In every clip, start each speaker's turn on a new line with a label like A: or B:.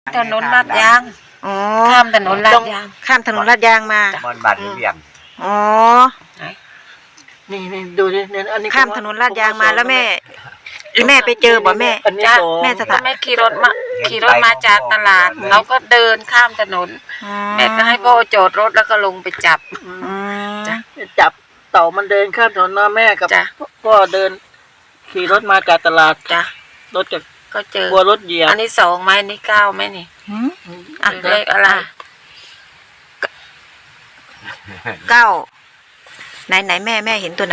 A: ถนนลาดยาง
B: อ๋อ
A: ข้ามถนนลาดยาง
B: ข้ามถนนลาดยางมา
C: บอนบ้านเวียง
B: อ๋อ
D: นี่ดูดิเนี่ยอันนี้
B: ข้ามถนนลาดยางมาแล้วแม่ไปเจอบ่แม่
D: อันนี้
A: จ้ะ
D: สอง
B: แม่สถา
A: แม่ขี่รถมาจากตลาดเราก็เดินข้ามถนน
B: อ๋อ
A: แม่ก็ให้พ่อจอดรถแล้วก็ลงไปจับ
D: อืม
B: อืม
A: จ้ะ
D: จับเต่ามันเดินข้ามถนนนะแม่กับ
A: จ้ะ
D: พ่อเดินขี่รถมาจากตลาด
A: จ้ะ
D: รถจาก
A: ก็เจอ
D: กลัวรถเหยียบ
A: อันนี้2ไหมอันนี้9ไหมนี่
B: หืม
A: หรือเลขอะไร
B: 9ไหนแม่เห็นตัวไหน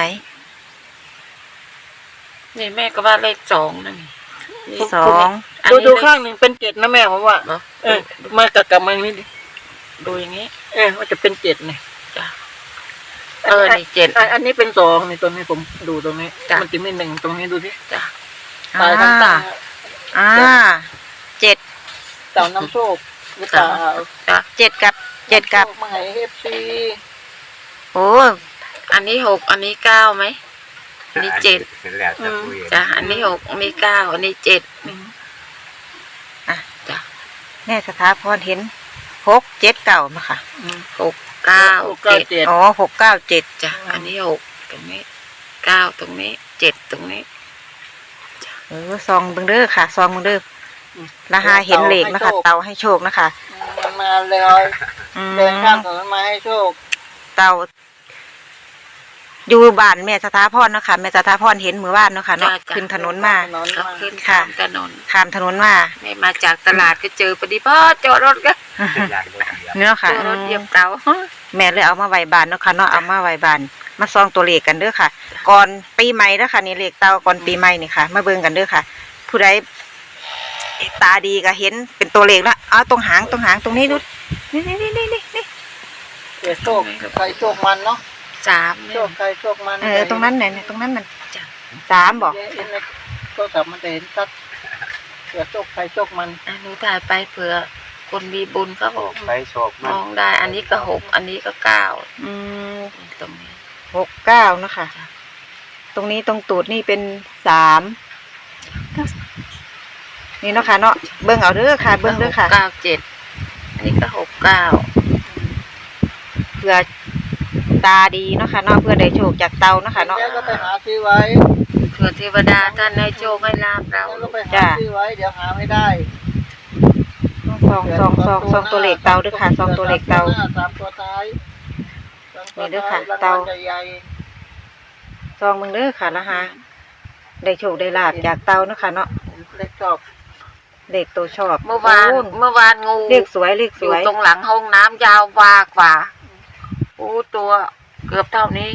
A: นี่แม่ก็ว่าเลข2นั่นนี่
B: สอง
A: อัน
D: ดู
A: นี้
D: ดู
A: เลข
D: ข้างหนึ่งเป็นเจ็ดนะแม่ผมว่า
A: เหรอ
D: มากับมานี่ดิ
A: ดูอย่างนี้
D: ว่าจะเป็นเจ็ดเนี่ย
A: จ้ะนี่7
D: อันนี้เป็นสองนี่ตรงนี้ผมดูตรงนี้
A: จ้ะ
D: มันจะมีหนึ่งตรงนี้ดูสิ
A: จ้ะ
D: ตายทั้งตา
B: 7
D: เต่าน้ำโชคหรือเปล่า
A: จ้ะ
B: 7กับ7กับ
D: มาให้เอฟซี
B: โอ้
A: อันนี้6อันนี้9ไหมอันนี้7
C: เป็นแล้วจะคุย
A: จ้ะอันนี้6อันนี้9อันนี้7จ้ะ
B: แม่สถาพรเห็น6 7 9มาค่ะ
A: 6 9 7
D: เจ็ด
B: อ๋อ6 9 7
A: จ้ะอันนี้6ตรงนี้9ตรงนี้7ตรงนี้
B: ซองเบิ่งเด้อค่ะซองเบิ่งเด้อละหาเห็นเหล็กนะคะ เตาให้โชคนะคะ
D: มันมาเลย
B: อืม
D: เดินข้ามถนนมาให้โชค
B: เตาอยู่บ้านแม่สถาพรเนาะค่ะแม่สถาพรเห็นมือว่านเนาะค่ะเนาะขึ้นถนนมา
A: ก็ขึ้น
B: ค่ะ
A: ข้ามถนน
B: ข้ามถนนมา
A: ไม่มาจากตลาดก็เจอพอดีพ่อจอดรถก็
C: เป็นยานรถเหยียบ
B: เนาะค่ะ
A: จอดรถเหยียบเตา
B: แม่เลยเอามาไว้บ้านเนาะค่ะเนาะเอามาไว้บ้านมาซองตัวเลขกันเด้อค่ะ ก่อนปีใหม่เด้อค่ะนี่เลขเตาก่อนปีใหม่นี่ค่ะ มาเบิ่งกันเด้อค่ะ ผู้ใดตาดีก็เห็นเป็นตัวเลขแล้วเอาตรงหางตรงนี้ดูนี่
D: เกิดโชคใครโชคมันเนาะ
A: 3
D: โชคใครโชคมัน
B: ตรงนั้นไหนตรงนั้นมัน
A: จ้ะ
B: 3บอก
D: เห็นในโทรศัพท์มันจะเห็นชัดเกิดโชคใครโชคมัน
A: อันนี้ถ่ายไปเผื่อคนมีบุญเขาบอก
C: ไปโชค
A: ม
C: มัน
A: องได้ อันนี้ก็6อันนี้ก็9
B: อืม
A: ตรงนี้
B: 6 9เนาะค่ะตรงนี้ตรงตูดนี่เป็น3นี่เนาะค่ะเนาะเบิ่งเอาเด้อค่ะเบิ่งเด้อค่ะ
A: 9 7อันนี้ก็6 9
B: เพื่อตาดีเนาะค่ะเนาะเพื่อได้โชคจากเตาเนาะค่ะเนาะ
D: แล้วก็ไปหาซื้อไว้
A: เผื่อเทวดาท่านให้โชคให้ลาภเรา
D: แล้วก็ไปหาซื้อไว้เดี๋ยวหาไม่ได้
B: ซองตัวเลขเตาด้วยค่ะซองตัวเลขเตา
D: สามตัวท้าย
B: นี่เด้อค่ะ
D: ราง
B: เตา
D: วัลใหญ่
B: ซองมึงเด้อค่ะนะคะได้โชคได้ลาบจากเตาเนาะค่ะเนาะ
D: ๆเล็กชอบ
B: เลขตัวชอบ
A: เมื่อวาน
B: โ
A: งู
B: เลขสวยเลข
A: อ
B: ส
A: ยู่
B: วย
A: ตรงหลังห้องน้ำยาววากว่าตัวเกือบเท่านี้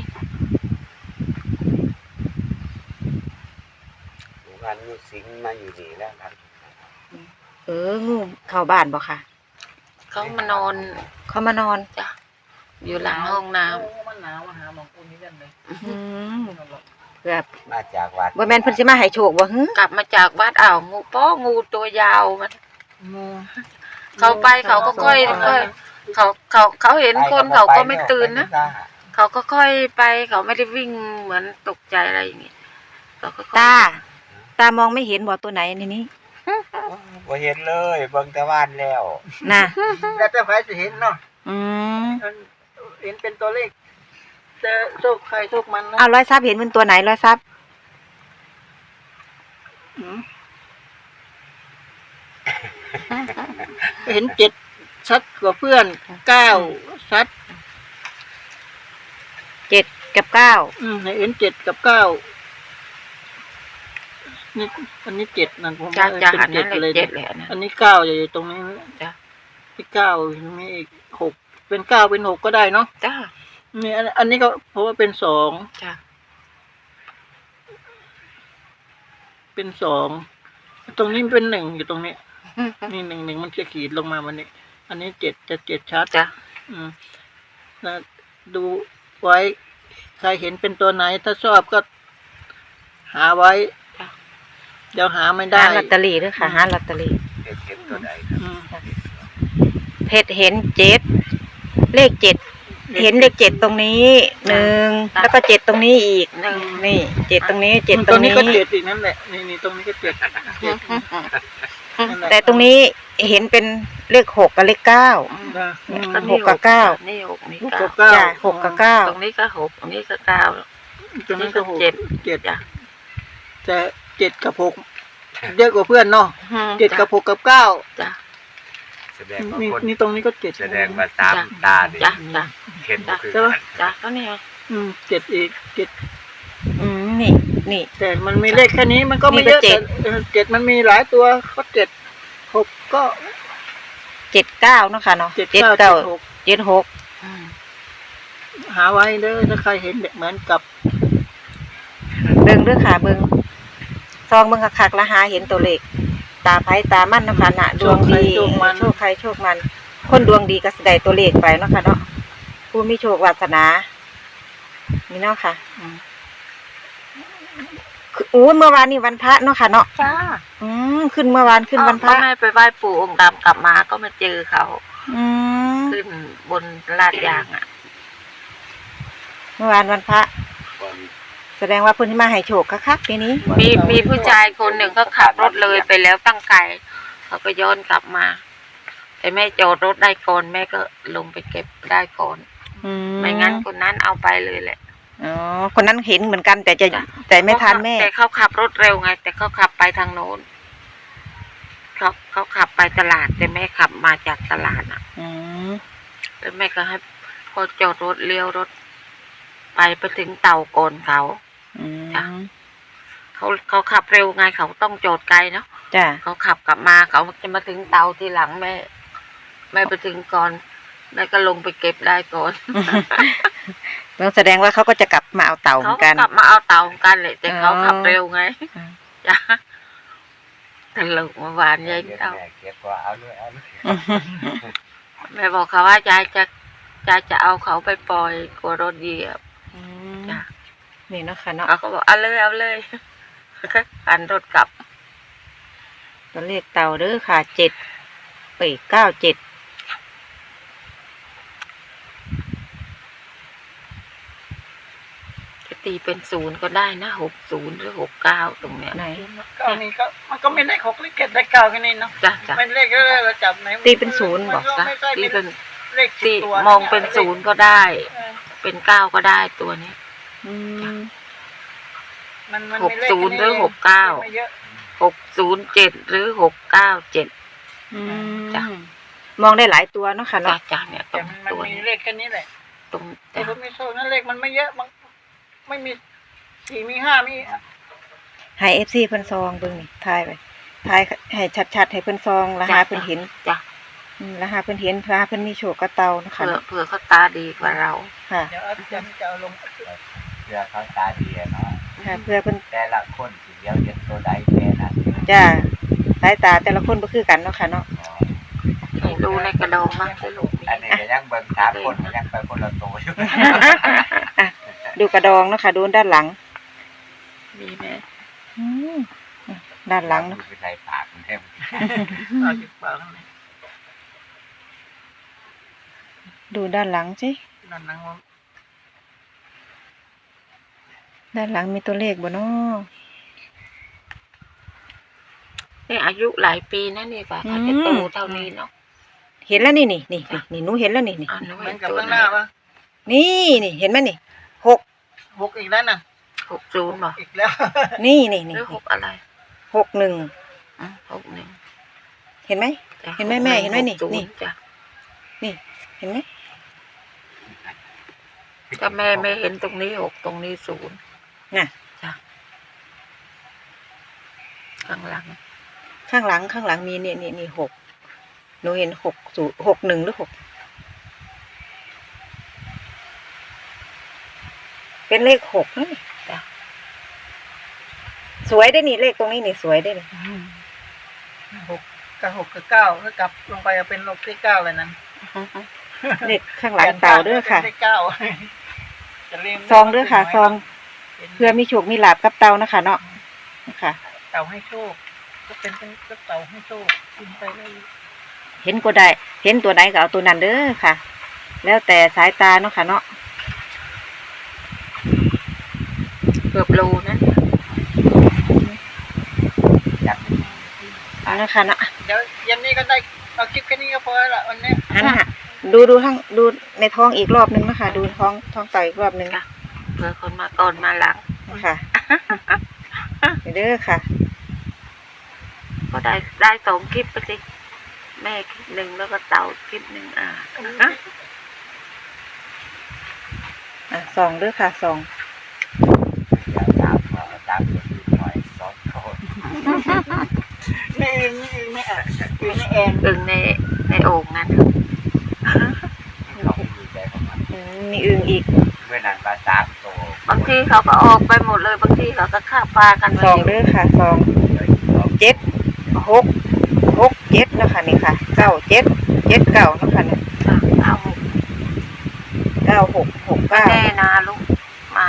C: วันนี้สิงมาอยู่ดีแล้วครับ
B: งูเข้าบ้านบ่ค่ะ
A: เขามานอน
B: เขามานอน
A: จ้ะอยู่หลังห้องน้ำ
D: มันหนาวมาหาหมองคุณนี่กันเลย
B: เพื่อ
C: มาจากวัด
B: บ่แม่นเพิ่นสิมาให้โชคบ่ฮึ
A: กลับมาจากวัดงูตัวยาวมัน
D: งู
A: เขาไปเขาก็ค่อยเขาเห็นคนเขาก็ไม่ตื่นนะเขาก็ค่อยไปเขาไม่ได้วิ่งเหมือนตกใจอะไรอย่างงี้เขาก็ค่อย
B: ตามองไม่เห็นบ่ตัวไหนในนี้
C: บ่เห็นเลยเบิ่งแต่ว่านแล้ว
B: น่ะ
D: แล้วแต่ใครจะเห็นเนาะ
B: อืม
D: เห็นเป็นตัวเลขจะโชคใครโชคมันนะ
B: เอาร้อยทรัพย์เห็นเป็นตัวไหนร้อยทรัพย์
D: เห็นเจ็ดชัดกว่าเพื่อนเก้าชัด
B: 7 กับ 9
D: เห็นเจ็ดกับเก้านี่อันนี้เจ็ดนั่นผม
A: จ้า
D: ว่า
A: จ้า
D: เป็น
A: อันนั้น
D: เจ็ด
A: เล
D: เลย ย
A: 7เลยอันนั้น
D: อันนี้เก้าอยู่ตรงนี้
A: จ้ะ
D: ที่เก้าตรงนี้อีกหกเป็นเก้าเป็นหกก็ได้เนาะ
A: จ้า
D: นี่อันนี้ก็เพราะว่าเป็นสอง
A: จ้า
D: เป็นสองตรงนี้เป็นหนึ่งอยู่ตรงนี้ นี่หนึ่งมันจะขีดลงมาวันนี้ อันนี้เจ็ดจะเจ็ดชัด
A: จ้า
D: นะดูไว้ใครเห็นเป็นตัวไหน ถ้าชอบก็หาไว้ เดี๋ยวหาไม่ได้
B: หาลอตเตอรี่ด้วยค่ะหาลอตเตอรี่
C: เห็นตัวใดครับ
D: อืม
B: เพชรเห็น7เลข7เห็นเลข7ตรงนี้1แล้วก็7ตรงนี้อีกนี่7ตรงนี้7ตรงนี้
D: ก็เจ็ดอีกนั่นแหละนี่ตรงนี้ก็เจ็ดนั่นแหละ
B: แต่ตรงนี้เห็นเป็นเลข6กับเลข9
D: นะอืม
B: หกกับเก้า
A: นี่หกนี่
D: ลูก
A: เก้า
D: กับเก้า
B: จ้ะ6กับ9
A: ตรงนี้ก็หกตรงนี้ก็เก้า
D: ตรงนี้ก็หก
A: เจ็ด
D: เจ็ด
A: จ้ะ
D: แต่7กับ6เยอะกว่าเพื่อนเนาะ7กับ6กับ9
A: จ้ะ
C: แสดงว่า
D: นี่
C: คน
D: นี่ตรงนี้ก็7
C: แสดงว่าตามตาดิ
A: จ้ะจ้ะ
C: เห็นบ่คือ
D: ใช่ไหม
C: กัน
A: จ้ะก็นี่ไง
D: 7อีก7
B: นี่
D: แต่มันมีเลขแค่นี้มันก็ไม่เยอะ
B: นี่ก็
D: แต่7มันมีหลายตัวก็7 6ก็
B: 79เนาะค่ะเนาะ
D: 7 9 7 6
B: 76
A: อืม
D: หาไว้เด้อถ้าใครเห็นแบบเหมือนกับ
B: เบิ่งเด้อค่ะเบิ่งซองเบิ่งคักๆแล้วหาเห็นตัวเลขตาไผตามันเนาะค่ะน่ะดวงดีโชคใครโชคมัน คนดวงดีก็สิได้ตัวเลขไปเนาะค่ะเนาะผู้มีโชควาสนานี่เนาะค่ะคือเมื่อวานนี่วันพระเนาะค่ะเนาะ
A: จ้า
B: ขึ้นเมื่อวานขึ้นวันพ
A: ก็
B: ระ
A: แม่ไปไหว้ปู่องค์ดำกลับมาก็มาเจอเขา
B: อืม
A: ขึ้นบนลาดยางอ่ะ
B: เมื่อวานวันพระ
C: คน
B: แสดงว่าเพิ่นที่มาให้โชคคักๆปีนี้
A: มีผู้ชายคนหนึ่งเขาขับรถเลยไปแล้วตั้งไกลเขาก็ย้อนกลับมาแต่แม่จอดรถได้ก่อนแม่ก็ลงไปเก็บได้ก่อนไม่งั้นคนนั้นเอาไปเลยแหละ
B: อ๋อคนนั้นเห็นเหมือนกันแต่ไม่ทันแม่
A: แต่เขาขับรถเร็วไง แต่เขาขับไปทางโน้นเขาขับไปตลาดแต่แม่ขับมาจากตลาดอ่ะ
B: อืม
A: แล้วแม่ก็ให้พอจอดรถเลี้ยวรถไปถึงเต่าก่อนเขา
B: อืม
A: จ้ะ เขาขับเร็วไงเขาต้องจอดไกลเนาะ
B: จ้ะ
A: เขาขับกลับมาเขาจะมาถึงเตาทีหลังแม่ไปถึงก่อนแม่ก็ลงไปเก็บได้ก่อน
B: แสดงว่าเขาก็จะกลับมาเอาเต่าเหมื
A: เขา
B: อนกัน
A: กลับมาเอาเตาเหมือนกันเลยแต่เขาขับเร็วไง
B: อืม
A: จ้ะตลกเมื่อวานยายเตา
C: แม่เก็บว่าเอาเลยเอาเลย
A: แม่บอกเขาว่ายายจะเอาเขาไปปล่อยกลัวรถเหยียบ
B: อืม
A: จ้ะ
B: นี่เนาะค่ะเนาะ
A: เขาก็บอกเอาเลยก็หันรถกลับ
B: ตัวเลขเต่าเด้อค่ะ97
A: จะตีเป็น0ก็ได้นะ60หรือ69ตรงเนี้ย
B: ไหน
D: เก้านี่ก็มันก็ไม่เลข6เลข7เลข9แค่นี้เนาะ
A: จ้ะ
D: เป็นเลขเรื่อยๆเราจับไหน
B: ตีเป็นศูนย์บอก
A: จ้ะ
D: ไม่ใช่
A: ตี
D: เป็
A: เป็น น
D: เลข
A: ตี
D: 10ตัว
A: มองเป็น0ก็ได้
D: เออ
A: เป็น9ก็ได้ตัวนี้
B: อืม
D: มันมี
A: 60หรือ
D: ไม่เยอะ
A: 607หรือ697
B: อืม
A: จ้ะ
B: มองได้หลายตัวเนาะค่ะ
A: จ้ะ
B: เนาะ
A: จ้ะเนี่ยต
D: แต่
A: รง
D: มัน
A: ตัว
D: มี
A: นี้
D: เลขแค่นี้แหละ
A: ตรง
D: แต่
A: จ้ะ
D: ผมไม่โชคนั่นเลขมันไม่เยอะมันไม่มี4มี5มี
B: ให้ FC เพิ่นซองเบิ่งนี่ทายไปทายให้ชัดๆให้เพิ่นซองแล้วหาเพิ่นเห็น
A: จ้ะ
B: แล้วหาเพิ่นเห็นหาเพิ่นมีโชคกับเต่าเนาะค่ะ
A: เผื่อเขาตาดีกว่าเรา
B: ค่ะ
D: เดี๋ยวอาจารย์จะเอาลง
C: เพื่อเขาตาดีอะเนาะ
B: ค่ะเพื่อเพิ่น
C: แต่ละคนสิเดียวเห็นตัวใดแค่นั้น
B: จ้าสายตาแต่ละคนบ่คือกันเนาะค่ะเนาะ
A: ให้ดูในกระดองมากที่ลูก
C: อันนี้ก็ยังเบิ่งสามคนก็ยังไปคนละตัวอยู่
B: อ่ะดูกระดองเนาะค่ะดูด้านหลัง
A: มีไหม
B: อืมด้านหลังเนาะ
C: คือใส่ปากมันแทบ
D: เอาจากปากนั่นเลย
B: ดูด้านหลังสิ
D: นั่นนังว่า
B: ด้านหลังมีตัวเลขบ่เนาะ
A: นี่อายุหลายปีนะนี่กว่าเขาจะโตเท่านี้เนาะ
B: เห็นแล้วนี่หนูเห็นแล้วนี่
A: อ่าน้อ
D: เหมือน
A: ย
D: กับ
A: ตัว
D: ข้างห
A: ไหน
D: น้าปะ
B: นี่เห็นไหมนี่6
D: 6อีกแล้วน่ะ
A: 60บอก
D: อีกแล้ว
B: นี่
A: หรือ6อะไร
B: 61
A: 61
B: เห็นไหม
A: จ้ะ
B: เห็นไหมแม่เห็นไหมนี่
A: 60
B: นี่
A: จ้ะ
B: นี่เห็นไหม
A: ก็แม่ไม่เห็นตรงนี้6ตรงนี้0
B: น่ะ
A: จ้ะข้างหลัง
B: ข้างหลังมีนี่6หนูเห็น61หรือ6เป็นเลข6นะนี่
A: จ้ะ
B: สวยได้นี่เลขตรงนี้นี่สวยได้นี่
D: 6กับ6กับ9ถ้ากลับลงไปเอาเป็น6เลข9เลยนั้น
B: เลขข้างหลังเต่าเด้อค่ะ
D: เลข9จะเรียง
B: ซองเด้อค่ะซองเพื่อมีโชคมีลาภกับเต่านะคะเนาะนะคะ
D: เต่าให้โชคก็เป็นก็เต่าให้โชคกินไปเลย
B: เห็นก็ได้เห็นตัวใดก็เอาตัวนั้นเด้อค่ะ แล้วแต่สายตาเนาะค่ะเนาะ
A: เกือบโลนะ
C: จับ
B: เอานะคะเนาะ
D: ดเดี๋ยวเย็นนี้ก็ได้เอาคลิปแค่นี้ก็พอละวันนี้
B: หันหะดูทั้งดูในท้องอีกรอบนึงนะคะดูท้องเต่าอีกรอบนึง
A: เผื่อคนมาก่อนมาหลัง
B: ค่ะเด้อค่ะ
A: ก็ได้2 คลิปไปสิแม่คลิปหนึ่งแล้วก็เต่าคลิปหนึ่ง
B: ส่องเด้อค่ะส่อง
C: เดี๋ยวตามคนอื่นหน่อยสองคน
D: นี่อึงนี่อ่ะอึงนี่แอน
A: อึ่งในโอ่งนั้น
C: เขาไม่ดีใจของมัน
B: มีอึ่งอีก
C: เมื่อนั้นมา3 ตัว
A: บางทีเขาก็ออกไปหมดเลยบางทีเขาก็ฆ่าปลากันไป
B: ส่อง
A: อยู่
B: เด้อค่ะส่อง
C: เดี๋ยวอีก2
B: 7 6 7นะคะนี่ค่ะ9 7 7 9นะคะนี่
A: เอา
B: 9 6 6
A: แน่
B: 9
A: นะลูกมา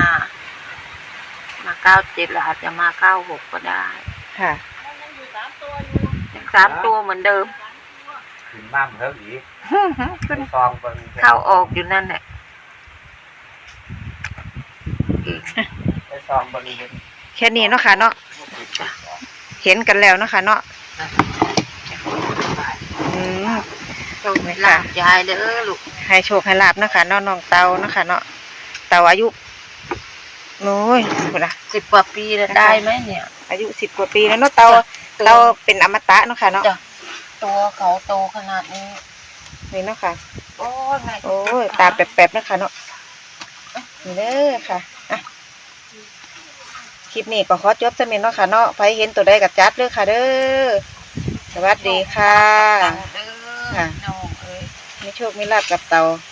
A: 97แล้วอาจจะมา96ก็ได้
B: ค่ะ
A: ยัง3 ตัวเหมือนเดิม
C: ขึ้นมาเพิ่มอีก
A: ขึ้น
C: ซองเบิ่ง
A: เข้าออกอยู่นั่นแหละอีก
C: ไปซองเบิ่งเห็น
B: แค่นี้เนาะค่ะเนาะเห็นกันแล้วเนาะค่ะเนาะอืม
A: โชคลาภยายเด้อลูก
B: ให้โชคให้ลาบเนาะค่ะเนาะน้องเตาเนาะค่ะเนาะเตาอายุโอ้ยพุ่นน่ะ
A: 10 กว่าปีแล้วได้ไหมเนี่ย
B: อายุ10 กว่าปีแล้วเนาะเตาเป็นอมตะเนาะค่ะเนาะ
A: จ้ะตัวเขาโตขนาดนี้
B: นี่เนาะค่ะ
A: โอ้ยแม่
B: โอ้ยตาแป๊บๆเนาะค่ะเนาะนี่เด้อค่ะอ่ะคลิปนี้ก็ขอจบซะแม่นเนาะค่ะเนาะใครเห็นตัวใดก็จัดเด้อค่ะเด้อสวัสดีค่ะ
A: เด้อน้องเอ้ย
B: มีโชคมีลาภกับเตา